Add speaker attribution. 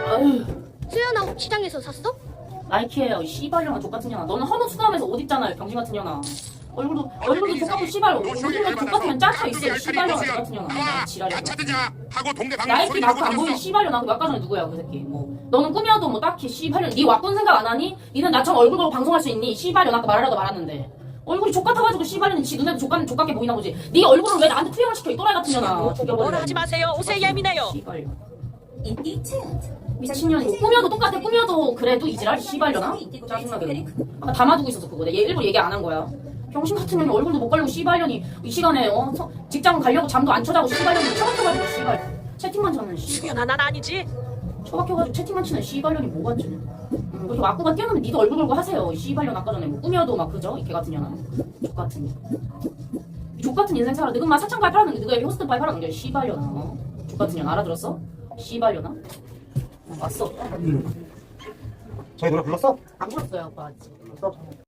Speaker 1: 아유.
Speaker 2: 수연아 시장에서 샀어?
Speaker 1: 나이키예요. 씨발년아 족같은 년아. 너는 헌옷 수감해서 옷 입잖아요. 병신 같은 년아. 얼굴도 족같고 씨발. 옷이면 족같으면 짜쳐 있어. 씨발년아 족같은 년아. 지랄이야. 나이키 마크 안 보이는 씨발년아. 그 아까 전에 누구야 그 새끼. 뭐 너는 꾸며도 뭐 딱히 씨발년. 네 왁군 생각 안 하니? 니는 나처럼 얼굴 보고 방송할 수 있니? 씨발년 아까 말하라도 말았는데. 얼굴이 족같아가지고 씨발년이 지 눈에도 족같게 보이나 보지. 네 얼굴을 왜 나한테 투영을 시켜 이 또라이 같은 년아.
Speaker 3: 뭐라 하지 마세요. 옷에 예민해요.
Speaker 1: 씨발년. 미친년이 꾸며도 똑같아. 꾸며도 그래도 이지랄 씨발려나? 짜증나게. 아까 담아두고 있어서 그거. 내가 일부러 얘기 안 한 거야. 병신 같은 년이 얼굴도 못 가리고 씨발년이 이 시간에 직장 가려고 잠도 안 쳐자고 씨발년이 처박혀가지고 씨발 채팅만 쳐는 씨발.
Speaker 3: 수연아 난 아니지.
Speaker 1: 처박혀가지고 채팅만 치는 씨발년이 뭐가 주냐. 그렇게 와꾸가 뛰어나면 니도 얼굴 걸고 하세요. 씨발년 아까 전에 뭐 꾸며도 막 그죠? 이 개 같은 년아. 족같은 년. 족같은 인생 살아. 너가 막 사창가에 팔아넘겨. 너가 여기 호스트 바에 팔아넘겨. 씨발년아. 족같은 년 알아들었어? 씨발려나? 왔어.
Speaker 4: 저희 노래 불렀어?
Speaker 1: 안 불렀어요, 아빠.
Speaker 4: 불렀어.